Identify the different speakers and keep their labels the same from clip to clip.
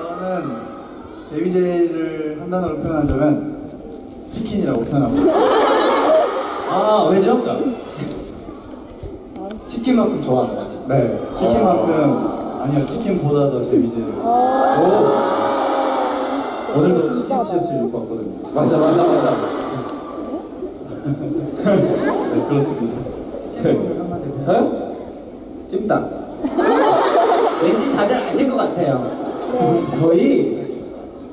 Speaker 1: 저는 데뷔제이를 한 단어로 표현한다면 치킨이라고 표현합니다.
Speaker 2: 아, 왜죠? 치킨만큼 좋아하는 거지?
Speaker 1: 네, 치킨만큼 아니요, 치킨보다 더 데뷔제이를. 오늘도 치킨 티셔츠 입고 왔거든요.
Speaker 2: 맞아.
Speaker 1: 네, 그렇습니다.
Speaker 2: 저요? 찜닭.
Speaker 3: 왠지 다들 아실 것 같아요.
Speaker 2: 저희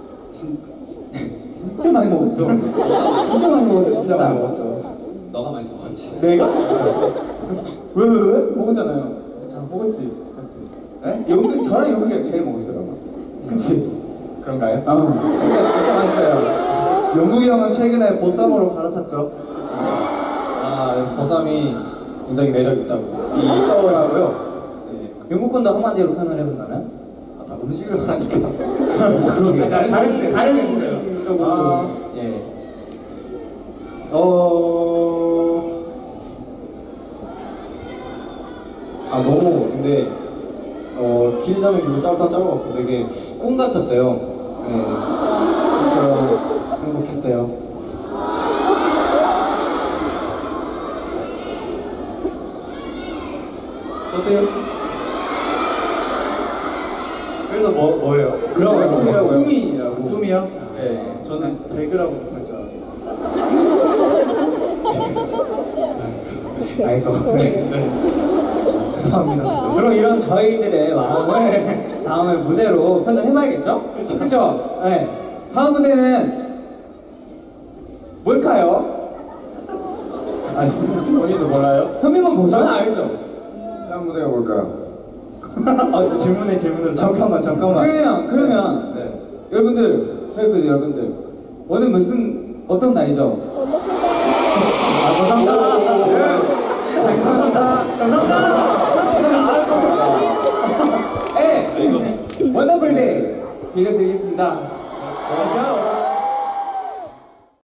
Speaker 2: 진짜 많이 먹었죠. 진짜 많이 먹었죠.
Speaker 1: 진짜 많이 먹었죠.
Speaker 2: 너가 많이 먹었지.
Speaker 1: 내가?
Speaker 2: 왜? 먹었잖아요. 먹었지. 같이.
Speaker 1: 네?
Speaker 2: 연극 저랑 연극이 제일 먹었어요. 그치?
Speaker 1: 그런가요?
Speaker 2: 진짜 맛있어요.
Speaker 1: 영국이 형은 최근에 보쌈으로 갈아탔죠.
Speaker 2: 아, 보쌈이 굉장히 매력 있다고. 있더라고요. 네.
Speaker 3: 영국 건도 한마디로 표현을 해본다면?
Speaker 1: 다 음식을 말하니까.
Speaker 2: 그러게.
Speaker 3: 다른 쪽으로.
Speaker 1: 예.
Speaker 2: 너무 근데 길다는 길을 짧고 되게 꿈 같았어요. 네. 저처럼 행복했어요.
Speaker 1: 어때요? 그래서 뭐예요?
Speaker 2: 그런
Speaker 1: 꿈이라고요?
Speaker 2: 꿈이라고.
Speaker 1: 꿈이요?
Speaker 2: 네.
Speaker 1: 저는 배그라고 할 줄 알았어요.
Speaker 2: 아이고.
Speaker 1: 죄송합니다.
Speaker 3: 그럼 이런 저희들의 마음을 다음에 무대로 표현해봐야겠죠?
Speaker 2: 그렇죠.
Speaker 3: 네.
Speaker 2: 다음 무대는 뭘까요?
Speaker 1: 아니, 본인도 몰라요?
Speaker 3: 현민건 보죠?
Speaker 2: 저는 알죠. 다음 무대가 뭘까요?
Speaker 1: 질문으로 잠깐만.
Speaker 2: 그러면
Speaker 1: 네.
Speaker 2: 여러분들, 저희 여러분들 오늘 어떤 날이죠?
Speaker 1: 감사합니다.
Speaker 2: 네, 원더풀 데이 들려드리겠습니다.
Speaker 1: 안녕하세요.